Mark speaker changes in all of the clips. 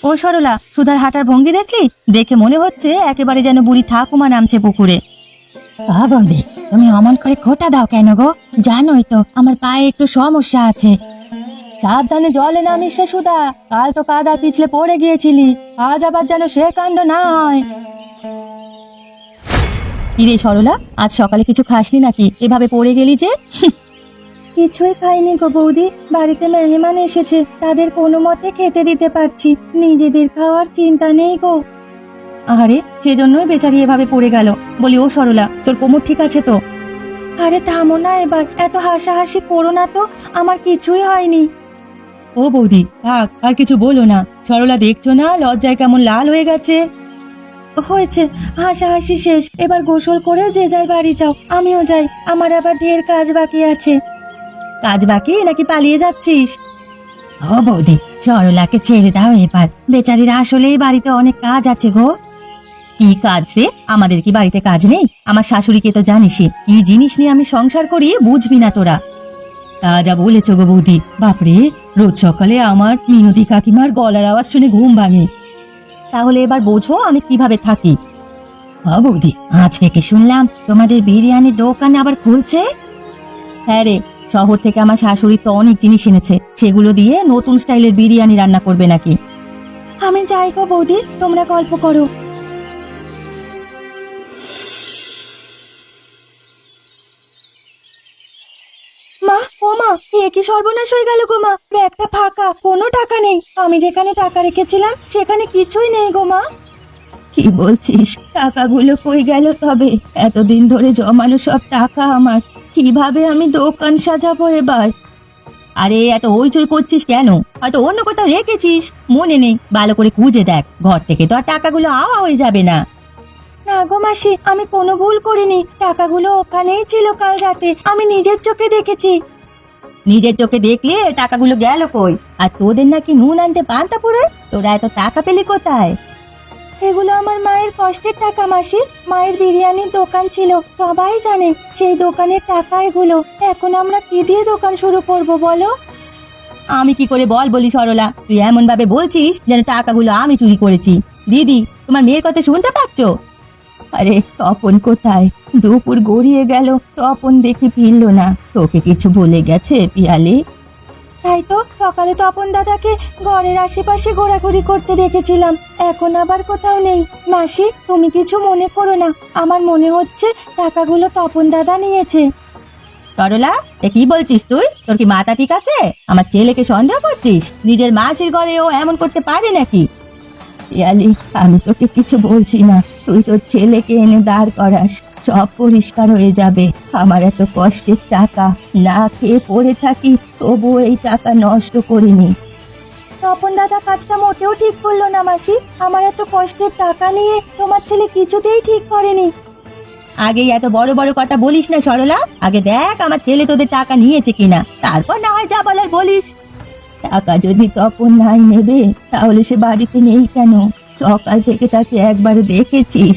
Speaker 1: ও সরলা, সুধার হাঁটার ভঙ্গি দেখলি? দেখে মনে হচ্ছে একেবারে যেন বুড়ি ঠাকুমা নামছে পুকুরে। বৌদি, তুমি অমন করে খোঁটা দাও কেন গো? জানোই তো আমার পায়ে একটু সমস্যা আছে। সাবধানে জলে নামিস রে সুধা, কাল তো কাদা পিছলে পড়ে গিয়েছিলি, আজ আবার যেন সে কাণ্ড না হয়। কিরে সরলা, আজ সকালে কিছু খাসনি নাকি? এভাবে পড়ে গেলি যে? কিছুই খাইনি গো বৌদি, বাড়িতে মেহমান এসেছে, তাদের কোনো মতে খেতে দিতে পারছি, নিজেদের খাওয়ার চিন্তা নেই গো। আরে সেজন্যই বেচারি এভাবে পড়ে গেল। বলি ও সরলা, তোর কোমর ঠিক আছে তো? আরে থামো না এবার, এত হাসাহাসি করো না তো, আমার কিছুই হয়নি। ও বৌদি থাক, আর কিছু বলো না। সরলা দেখছো না লজ্জায় কেমন লাল হয়ে গেছে। হয়েছে, হাসাহাসি শেষ, এবার গোসল করে যে যার বাড়ি যাও, আমিও যাই, আমার আবার ঢের কাজ বাকি আছে। কাজ বাকি নাকি পালিয়ে যাচ্ছিস? ও বৌদি, সরলাকে ছেড়ে দাও এবার, বেচারির আসলেই বাড়িতে অনেক কাজ আছে গো। কি কাজ রে? আমাদের কি বাড়িতে কাজ নেই? আমার শাশুড়িকে তো জানিসই, কি জিনিস নিয়ে আমি সংসার করি বুঝবি না তোরা। তা যা বলেছ গো বৌদি, বাপরে, রোজ সকালে আমার মিনতি কাকিমার গলার আওয়াজ শুনে ঘুম ভাঙে। তাহলে এবার বোঝো আমি কিভাবে থাকি। ও বৌদি, আজ থেকে শুনলাম তোমাদের বিরিয়ানির দোকান আবার খুলছে। হ্যাঁ রে, শহর থেকে আমার শাশুড়ি তো অনেক জিনিস এনেছে, সেগুলো দিয়ে নতুন স্টাইলের বিরিয়ানি রান্না করবে নাকি। আমি যাই গো বৌদি, তোমরা গল্প করো। মা, ও মা, এ কি সর্বনাশ হয়ে গেল গো মা, ব্যাগটা ফাঁকা, কোনো টাকা নেই, আমি যেখানে টাকা রেখেছিলাম সেখানে কিছুই নেই গো মা। কি বলছিস? টাকাগুলো কই গেল তবে? এতদিন ধরে জমানো সব টাকা আমার, কিভাবে আমি দোকান সাজাবো এবার? আরে এত হইচই করছিস কেন? হয়তো অন্য কোথাও রেখেছিস, মনে নেই, ভালো করে খুঁজে দেখ, ঘর থেকে তো আর টাকাগুলো আওয়া হয়ে যাবে না। না গো মাসি, আমি কোনো ভুল করিনি, টাকাগুলো ওখানেই ছিল কাল রাতে, আমি নিজের চোখে দেখেছি। নিজের চোখে দেখলে টাকাগুলো গেল কই? আর তোদের নাকি নুন আনতে পান্তা পুরো, তোরা এত টাকা পেলি কোথায়? এগুলো আমার মায়ের কষ্টের টাকা মাসি, মায়ের বিরিয়ানির দোকান ছিল, সবাই জানে, সেই দোকানের টাকা এগুলো। এখন আমরা কি দিয়ে দোকান শুরু করব বলো? আমি কি করে বলি সরলা, তুই এমন ভাবে বলছিস যেন টাকাগুলো আমি চুরি করেছি। দিদি, তোমার মেয়ের কথা শুনতে পাচ্ছ? আরে তপন কোথায়? দুপুর গড়িয়ে গেল, তপন দেখি ফিরল না, তোকে কিছু বলে গেছে পিয়ালি? তাই তো, সকালে তপন দাদাকে ঘরের আশেপাশে ঘোরাঘুরি করতে দেখেছিলাম, এখন আবার কোথাও নেই। মাসি, তুমি কিছু মনে করো না, আমার মনে হচ্ছে টাকাগুলো তপন দাদা নিয়েছে। সরলা, এ কি বলছিস তুই? তোর কি মাথা ঠিক আছে? আমার ছেলেকে সন্দেহ করছিস? নিজের মাসির ঘরে ও এমন করতে পারে নাকি? পিয়ালি, আমি তোকে কিছু বলছি না, তুই তোর ছেলেকে এনে দাঁড় করাস, সব পরিষ্কার হয়ে যাবে। আমার এত কষ্টের টাকা, না খেয়ে পড়ে থাকি, তবু এই টাকা নষ্ট করিনি। তপন দাদা কাজটা মোটেও ঠিক করলো না মাসি, আমার এত কষ্টের টাকা নিয়ে তোমার ছেলে কিছুতেই ঠিক করেনি। আগেই এত বড় বড় কথা বলিস না সরলা, আগে দেখ আমার ছেলে তোদের টাকা নিয়েছে কিনা, তারপর না হয় যা বলার বলিস। টাকা যদি তপন নাই নেবে, তাহলে সে বাড়িতে নেই কেন? সকাল থেকে তাকে একবার দেখেছিস?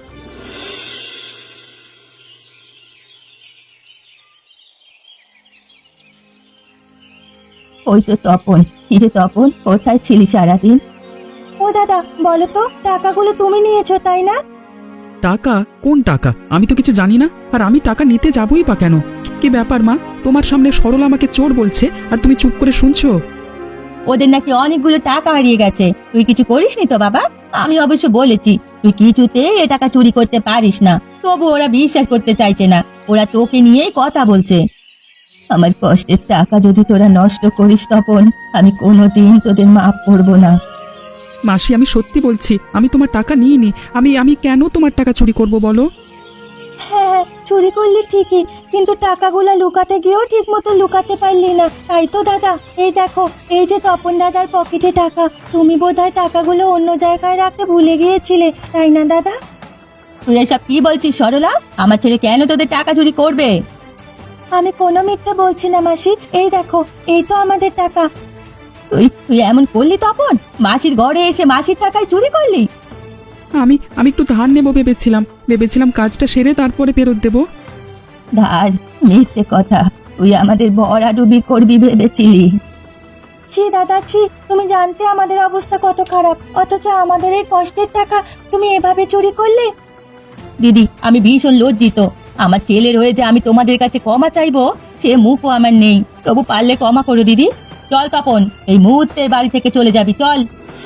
Speaker 1: ওই তো তপন। কিরে তপন, কোথায় ছিলি সারাদিন? ও দাদা, বলো তো, টাকাগুলো তুমি নিয়েছো তাই না?
Speaker 2: টাকা? কোন টাকা? আমি তো কিছু জানি না, আর আমি টাকা নিতে যাবই বা কেন? কি ব্যাপার মা, তোমার সামনে সরলা আমাকে চোর বলছে আর তুমি চুপ করে শুনছো?
Speaker 1: ওদের নাকি অনেকগুলো টাকা হারিয়ে গেছে, তুই কিছু করিসনি তো বাবা? আমি অবশ্য বলেছি তুই কিছুতে এ টাকা চুরি করতে পারিস না, তবু ওরা বিশ্বাস করতে চাইছে না, ওরা তোকে নিয়েই কথা বলছে। আমার কষ্টের টাকা যদি তোরা নষ্ট করিস তপন, আমি কোনোদিন তোদের মাফ করবো না।
Speaker 2: মাসি, আমি সত্যি বলছি, আমি তোমার টাকা নিইনি। আমি কেন তোমার টাকা চুরি করব বলো?
Speaker 1: হ্যাঁ, চুরি করলি ঠিকই, কিন্তু টাকাগুলো লুকাতে গিয়েও ঠিক মতো লুকাতে পারলি না, তাই তো দাদা। এই দেখো, এই যে তপন দাদার পকেটে টাকা, তুমি বোধহয় টাকাগুলো অন্য জায়গায় রাখতে ভুলে গিয়েছিলে, তাই না দাদা? তুই এসব কি বলছিস সরলা? আমার ছেলে কেন তোদের টাকা চুরি করবে? আমি কোনো মিথ্যে বলছি না মাসি, এই দেখো, এই তো আমাদের টাকা। তুই তুই এমন করলি তপন? মাসির ঘরে এসে মাসির টাকায় চুরি করলি?
Speaker 2: আমি একটু ধার নেবো ভেবেছিলাম কাজটা সেরে তারপরে ফেরত দেবো।
Speaker 1: ধার? মিথ্যে কথা, তুই আমাদের ভরাডুবি করবি ভেবেছিলি? ছি দাদা ছি, তুমি জানতে আমাদের অবস্থা কত খারাপ, অথচ আমাদের এই কষ্টের টাকা তুমি এভাবে চুরি করলে। দিদি, আমি ভীষণ লজ্জিত। আমার ছেলের হয়ে যে আমি তোমাদের কাছে ক্ষমা চাইবো সে মুখও আমার নেই, তবু পারলে ক্ষমা করো দিদি। চল তপন, এই মুহূর্তে বাড়ি থেকে চলে যাবি, চল।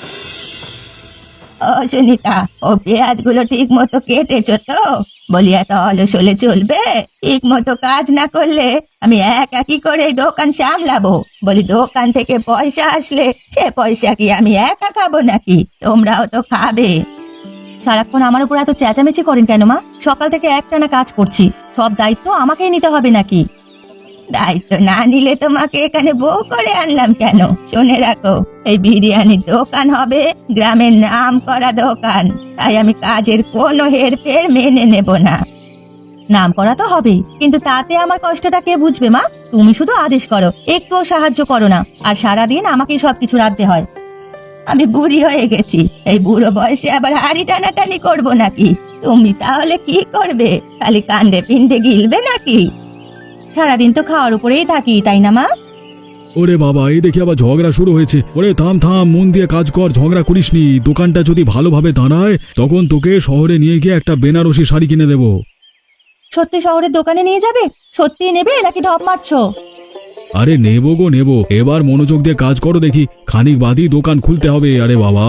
Speaker 1: ও সুনিতা, ও পেঁয়াজগুলো ঠিক মতো কেটেছো তো? বলি এত অলস হলে চলবে? ঠিক মতো কাজ না করলে আমি একা কি করে এই দোকান সামলাবো? বলি দোকান থেকে পয়সা আসলে সে পয়সা কি আমি একা খাবো নাকি? তোমরাও তো খাবে। সারাক্ষণ আমার উপর এত চেঁচামেচি করেন কেন মা? সকাল থেকে একটানা কাজ করছি, সব দায়িত্ব আমাকেই নিতে হবে নাকি? দায়িত্ব না নিলে তোমাকে এখানে বউ করে আনলাম কেন? শুনে রাখো, এই বিরিয়ানির দোকান হবে গ্রামের নাম করা দোকান, তাই আমি কাজের কোনো হেরফের মেনে নেব না। নাম করা তো হবেই, কিন্তু তাতে আমার কষ্টটা কে বুঝবে মা? তুমি শুধু আদেশ করো, একটুও সাহায্য করো না, আর সারাদিন আমাকেই সবকিছু রাখতে হয়। আমি বুড়ি হয়ে গেছি, এই বুড়ো বয়সে আবার হাড়ি টানাটানি করবো নাকি? তুমি তাহলে কি করবে? খালি কাণ্ডে পিণ্ডে গিলবে নাকি? সারাদিন তো খাওয়ার উপরেই থাকি, তাই না মা?
Speaker 3: ওরে বাবা, এই দেখি আবার ঝগড়া শুরু হয়েছে। ওরে থাম থাম, মন দিয়ে কাজ কর, ঝগড়া করিসনি। দোকানটা যদি ভালোভাবে দাঁড়ায় তখন তোকে শহরে নিয়ে গিয়ে একটা বেনারসি শাড়ি কিনে দেবো।
Speaker 1: সত্যি শহরের দোকানে নিয়ে যাবে? সত্যি নেবে নাকি ঢপ মারছো?
Speaker 3: আরে নেবো গো নেবো, এবার মনোযোগ দিয়ে কাজ করো দেখি, খানিক বাদই দোকান খুলতে হবে। আরে বাবা,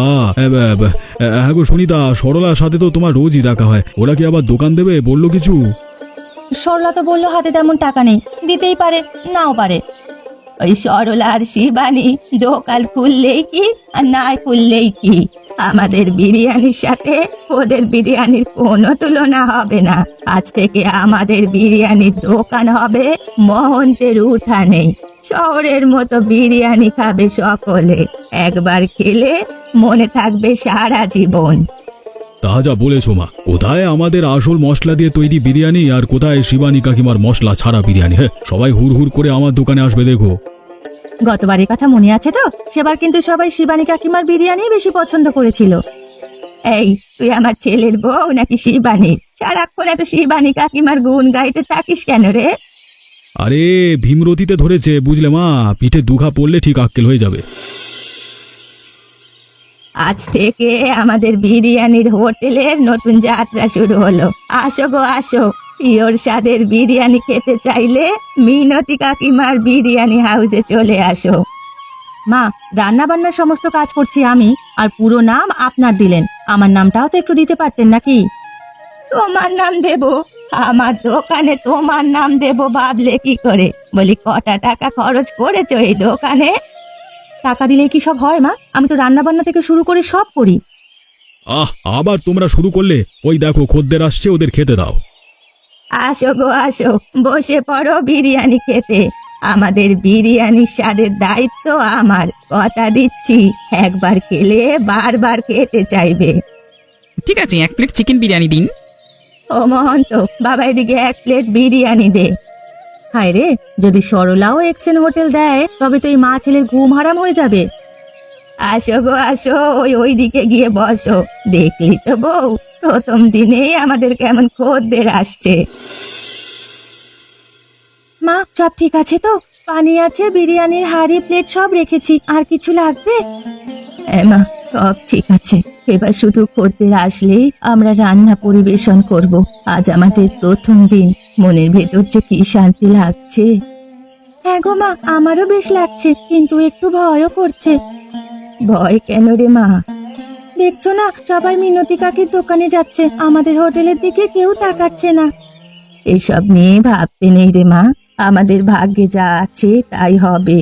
Speaker 3: হ্যাঁ গো সুনিতা, সরলার সাথে তো তোমার রোজই দেখা হয়, ওরা কি আবার দোকান দেবে বললো কিছু?
Speaker 1: সরলা তো বললো হাতে তেমন টাকা নেই, দিতেই পারে নাও পারে। ওই সরলা আর শিবানী দোকান খুললেই কি আর না খুললেই কি, আমাদের বিরিয়ানির সাথে ওদের বিরিয়ানির কোনো তুলনা হবে না। আজ থেকে আমাদের বিরিয়ানির দোকান হবে মহন্তের উঠানে। শহরের মতো বিরিয়ানি খাবে সকলে, একবার খেলে মনে থাকবে সারা জীবন।
Speaker 3: তা যা বলেছো মা, কোথায় আমাদের আসল মশলা দিয়ে তৈরি বিরিয়ানি আর কোথায় শিবানী কাকিমার মশলা ছাড়া বিরিয়ানি? হ্যাঁ, সবাই হুড় হুড় করে আমার দোকানে আসবে দেখো।
Speaker 1: গতবারের কথা মনে আছে তো? সেবার কিন্তু সবাই শিবানী কাকিমার বিরিয়ানি বেশি পছন্দ করেছিল। এই, তুই আমার ছেলের বউ নাকি শিবানী? সারাক্ষণ এত শিবানী কাকিমার গুণ গাইতে থাকিস কেন রে?
Speaker 3: আরে ভীমরতিতে ধরেছে বুঝলে মা, পিঠে দুঘা পড়লে ঠিক আক্কেল হয়ে যাবে।
Speaker 1: আজ থেকে আমাদের বিরিয়ানির হোটেলের নতুন যাত্রা শুরু হলো। আসো গো আসো, পিওর স্বাদের বিরিয়ানি খেতে চাইলে মিনতি কাকিমার বিরিয়ানি হাউসে চলে আসো। মা, রান্না বান্নার সমস্ত কাজ করছি আমি, আর পুরো নাম আপনার দিলেন, আমার নামটাও তো একটু দিতে পারতেন নাকি? তোমার নাম দেব? আমার দোকানে তোমার নাম দেব ভাবলে কি করে? বলি কটা টাকা খরচ করেছো এই দোকানে? টাকা দিলেই কি সব হয় মা? আমি তো রান্না বান্না থেকে শুরু করে সব করি।
Speaker 3: আবার তোমরা শুরু করলে? ওই দেখো খদ্দের আসছে, ওদের খেতে দাও।
Speaker 1: আসো গো আসো, বসে পড়ো বিরিয়ানি খেতে। আমাদের বিরিয়ানির স্বাদের দায়িত্ব আমার, কথা দিচ্ছি। একবার খেলে বারবার খেতে চাইবে।
Speaker 2: ঠিক আছে, 1 প্লেট চিকেন বিরিয়ানি দিন।
Speaker 1: ও মহন্ত, বাবা এদিকে 1 প্লেট বিরিয়ানি দে। হায় রে, যদি সরলাও এক্সেন হোটেল দেয় তবে তো এই মা ছেলের ঘুম হারাম হয়ে যাবে। আসো গো আসো, ওই দিকে গিয়ে বসো। দেখলি তো বউ, প্রথম দিনেই আমাদের কেমন খদ্দের আসছে। মা, সব ঠিক আছে তো? পানি আছে, বিরিয়ানির হাঁড়ি প্লেট সব রেখেছি, আর কিছু লাগবে? হ্যাঁ মা, সব ঠিক আছে। এবার শুধু খদ্দের আসলেই আমরা রান্না পরিবেশন করব। আজ আমাদের প্রথম দিন, মনের ভেতর যে কি শান্তি লাগছে। হ্যাঁ গো মা, আমারও বেশ লাগছে, কিন্তু একটু ভয়ও করছে। ভয় কেন রে মা? দেখছো না, সবাই মিনতি কাকির দোকানে যাচ্ছে, আমাদের হোটেলের দিকে কেউ তাকাচ্ছে না। এসব নিয়ে ভাবতে নেই রে মা, আমাদের ভাগ্যে যা আছে তাই হবে।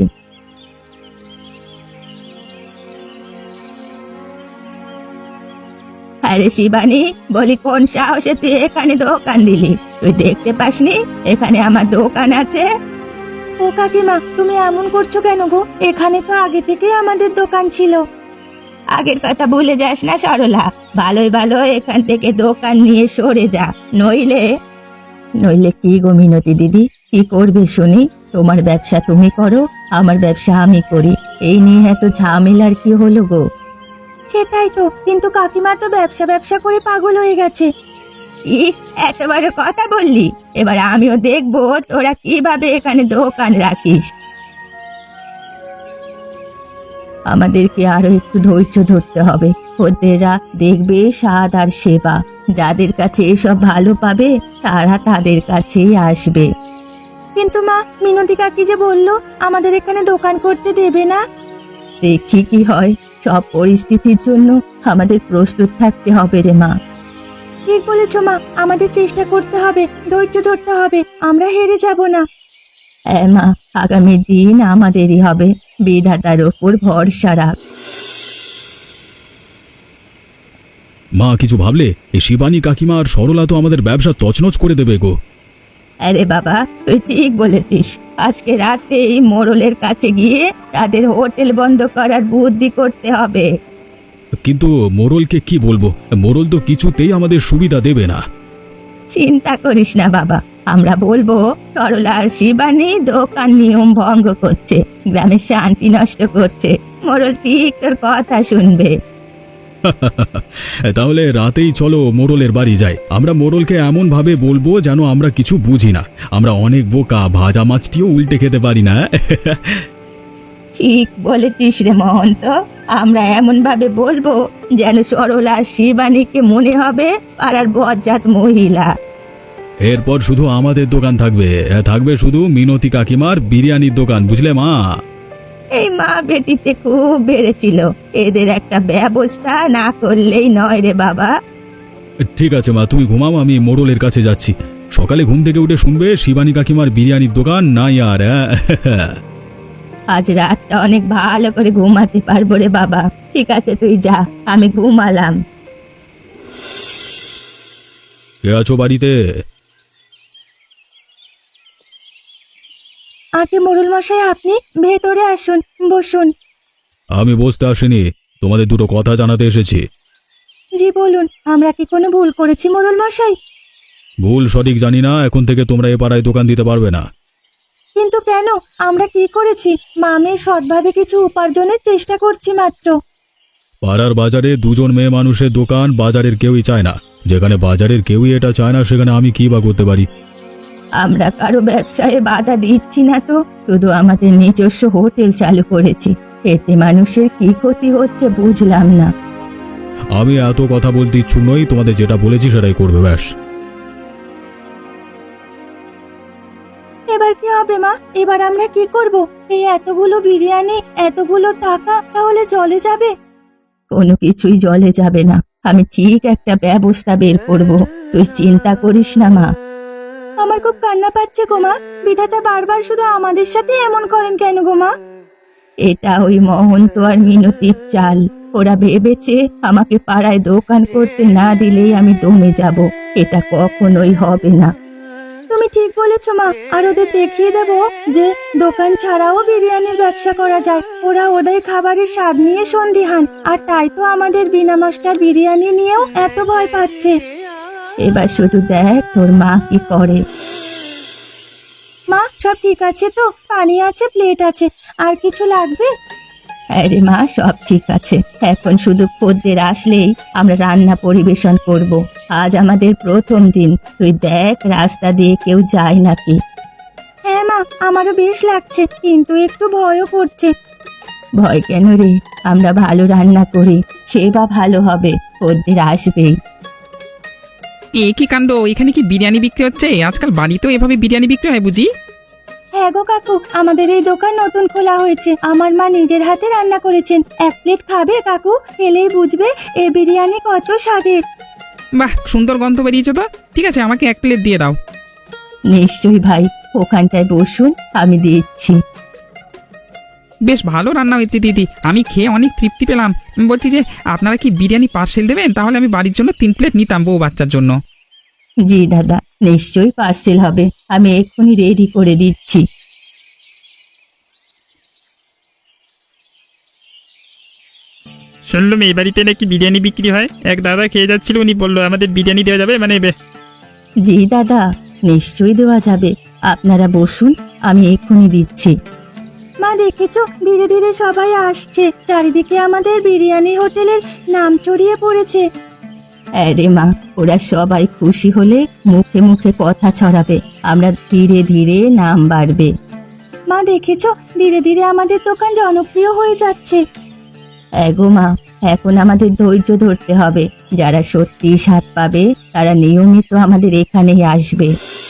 Speaker 1: আরে শিবানী, বলি কোন সাহসে তুই এখানে দোকান দিলি? তুই দেখতে পাসনি এখানে আমার দোকান আছে? ও কাকিমা, তুমি এমন করছো কেন গো? এখানে তো আগে থেকে আমাদের দোকান ছিল। আগের কথা ভুলে যাস না সরলা, ভালোই ভালো এখান থেকে দোকান নিয়ে সরে যা, নইলে। নইলে কি গো মিনতি দিদি, কি করবে শুনি? তোমার ব্যবসা তুমি করো, আমার ব্যবসা আমি করি, এই নিয়ে এত ঝামেলার কি হলো গো? সেটাই তো, কিন্তু কাকিমা তো ব্যবসা ব্যবসা করে পাগল হয়ে গেছে। এত বড় কথা বললি, এবার আমিও দেখবো তোরা কিভাবে এখানে দোকান রাখিস। আমাদেরকে আরো একটু ধৈর্য ধরতে হবে। খদ্দেররা দেখবে স্বাদ আর সেবা, যাদের কাছে এসব ভালো পাবে তারা তাদের কাছেই আসবে। কিন্তু মা, মিনতি কাকি যে বললো আমাদের এখানে দোকান করতে দেবে না। দেখি কি হয়, সব পরিস্থিতির জন্য আমাদের প্রস্তুত থাকতে হবে রে মা। ঠিক বলেছ মা, আমাদের চেষ্টা করতে হবে, ধৈর্য ধরতে হবে, আমরা হেরে যাব না। হ্যাঁ মা, আগামী দিন আমাদেরই হবে, বিধাতার ওপর ভরসা রাখ।
Speaker 3: মা কিছু ভাবলে? এই শিবানী কাকিমা আর সরলা তো আমাদের ব্যবসা তছনছ করে দেবে গো।
Speaker 1: আরে বাবা, তুই ঠিক বলেছিস। আজকে রাতে এই মোড়লের কাছে গিয়ে তাদের হোটেল বন্ধ করার বুদ্ধি করতে হবে।
Speaker 3: কিন্তু মোড়লকে কি বলবো? মোড়ল তো কিছুতেই আমাদের সুবিধা দেবে না।
Speaker 1: চিন্তা করিস না বাবা, আমরা বলবো সরলা আর শিবানী দোকান নিয়ম ভঙ্গ করছে, গ্রামের শান্তি নষ্ট করছে। মোড়ল ঠিক তোর কথা শুনবে।
Speaker 3: তাহলে রাতেই চলো মোড়লের বাড়ি যাই। আমরা মোড়লকে এমন ভাবে বলবো যেন আমরা কিছু বুঝি না। আমরা অনেক বোকা, ভাজা মাছটিও উল্টে খেতে পারি না।
Speaker 1: ঠিক বলেছিস রে মহন্ত, আমরা এমন ভাবে বলবো যেন সরলা আর শিবানীকে মনে হবে পাড়ার বজ্জাত মহিলা।
Speaker 3: এরপর শুধু আমাদের দোকান থাকবে, থাকবে শুধু মিনতি কাকিমার বিরিয়ানির দোকান, বুঝলে মা?
Speaker 1: এই মা বেটিতে খুব বেড়েছিল, এদের একটা ব্যবস্থা না করলেই নয় রে বাবা।
Speaker 3: ঠিক আছে মা, তুমি ঘুমাও, আমি মোড়লের কাছে যাচ্ছি। সকালে ঘুম থেকে উঠে শুনবে শিবানী কাকিমার বিরিয়ানির দোকান নাই আর।
Speaker 1: আজ রাতটা অনেক ভালো করে ঘুমাতে পারবো রে বাবা। ঠিক আছে তুই যা, আমি ঘুমালাম।
Speaker 3: কে আছো বাড়িতে?
Speaker 1: আগে মোড়ল মশাই, আপনি ভেতরে আসুন, বসুন।
Speaker 3: আমি বসতে আসিনি, তোমাদের দুটো কথা জানাতে এসেছি।
Speaker 1: জি বলুন, আমরা কি কোনো ভুল করেছি মোড়ল মশাই?
Speaker 3: ভুল সঠিক জানি না, এখন থেকে তোমরা এ পাড়ায় দোকান দিতে পারবে না।
Speaker 1: কিন্তু কেন? আমরা কি করেছি? মামে সৎভাবে কিছু উপার্জনের চেষ্টা করছি মাত্র।
Speaker 3: পাড়ার বাজারে দুজন মেয়ে মানুষের দোকান বাজারের কেউই চায় না। যেখানে বাজারের কেউই এটা চায় না, সেখানে আমি কি বা করতে পারি?
Speaker 1: আমরা কারো ব্যবসায় বাধা দিচ্ছি না তো, শুধু আমাদের নিজস্ব হোটেল চালু করেছি। এতে মানুষের কি ক্ষতি হচ্ছে বুঝলাম না।
Speaker 3: আমি এত কথা বলতে ইচ্ছুক নই, তোমাদের যেটা বলেছি সেটাই করবে, ব্যাস।
Speaker 1: এবার কি হবে মা? এবার আমরা কি করব? এই এতগুলো বিরিয়ানি, এতগুলো টাকা তাহলে জলে যাবে? কোনো কিছুই জলে যাবে না, আমি ঠিক একটা ব্যবস্থা বের করব, তুই চিন্তা করিস না মা। আমার খুব কান্না পাচ্ছে গো মা, বিধাতা বারবার শুধু আমাদের সাথে এমন করেন কেন গো মা? এটা ওই মহন্ত আর মিনতির চাল। ওরা ভেবেছে আমাকে পাড়ায় দোকান করতে না দিলেই আমি দমে যাব। এটা কখনোই হবে না। তুমি ঠিক বলেছো মা, আর ওদের দেখিয়ে দেব যে দোকান ছাড়াও বিরিয়ানির ব্যবসা করা যায়। ওরা ওদের খাবারের স্বাদ নিয়ে সন্দিহান, আর তাই তো আমাদের বিনা মশলার বিরিয়ানি নিয়েও এত ভয় পাচ্ছে। এবার শুধু দেখ তোর মা কি করে। মা, সব ঠিক আছে তো? পানি আছে, প্লেট আছে, আর কিছু লাগবে? আরে মা, সব ঠিক আছে। এখন শুধু খদ্দের আসলেই আমরা রান্না পরিবেশন করব। আজ আমাদের প্রথম দিন, তুই দেখ রাস্তা দিয়ে কেউ যায় নাকি। হ্যাঁ মা, আমারও বেশ লাগছে, কিন্তু একটু ভয়ও করছে। ভয় কেন রে? আমরা ভালো রান্না করি, সেবা ভালো হবে, খদ্দের আসবেই।
Speaker 2: এ কি কাণ্ড! এখানে কি বিরিয়ানি বিক্রি হচ্ছে? আজকাল বাড়িতেও এভাবে বিরিয়ানি বিক্রি হয় বুঝি?
Speaker 1: হ্যাঁ গো কাকু, আমাদের এই দোকান নতুন খোলা হয়েছে। আমার মা নিজের হাতে রান্না করেছেন। এক প্লেট খাবে কাকু? খেলেই বুঝবে এই বিরিয়ানি কত স্বাদের।
Speaker 2: বাহ, সুন্দর গন্ধ বেরিয়েছে তো। ঠিক আছে, আমাকে এক প্লেট দিয়ে দাও।
Speaker 1: নিশ্চয়ই ভাই, ওখানটায় বসুন, আমি দিচ্ছি।
Speaker 2: বেশ ভালো রান্না হয়েছে দিদি, আমি খেয়ে অনেক তৃপ্তি পেলাম। বলছি যে আপনারা কি বিরিয়ানি পার্সেল দেবেন? তাহলে আমি বাড়ির জন্য 3 প্লেট নিতাম, বউ বাচ্চার জন্য।
Speaker 1: জি দাদা, নিশ্চয়ই পার্সেল হবে, আমি এক্ষুনি রেডি করে দিচ্ছি।
Speaker 4: শুনলাম এই বাড়িতে নাকি বিরিয়ানি বিক্রি হয়। এক দাদা খেয়ে যাচ্ছিল, উনি বললো আমাদের বিরিয়ানি দেওয়া যাবে, মানে
Speaker 1: জি দাদা, নিশ্চয়ই দেওয়া যাবে, আপনারা বসুন, আমি এক্ষুনি দিচ্ছি। মা দেখেছো, ধীরে ধীরে সবাই আসছে, চারিদিকে আমাদের বিরিয়ানি হোটেলের নাম ছড়িয়ে পড়েছে। আরে মা, ওরা সবাই খুশি হলে মুখে মুখে কথা ছড়াবে, আমরা ধীরে ধীরে নাম বাড়বে। মা দেখেছো, ধীরে ধীরে আমাদের দোকান জনপ্রিয় হয়ে যাচ্ছে। হ্যাঁ গো মা, এখন আমাদের ধৈর্য ধরতে হবে। যারা সত্যি স্বাদ পাবে তারা নিয়মিত আমাদের এখানেই আসবে।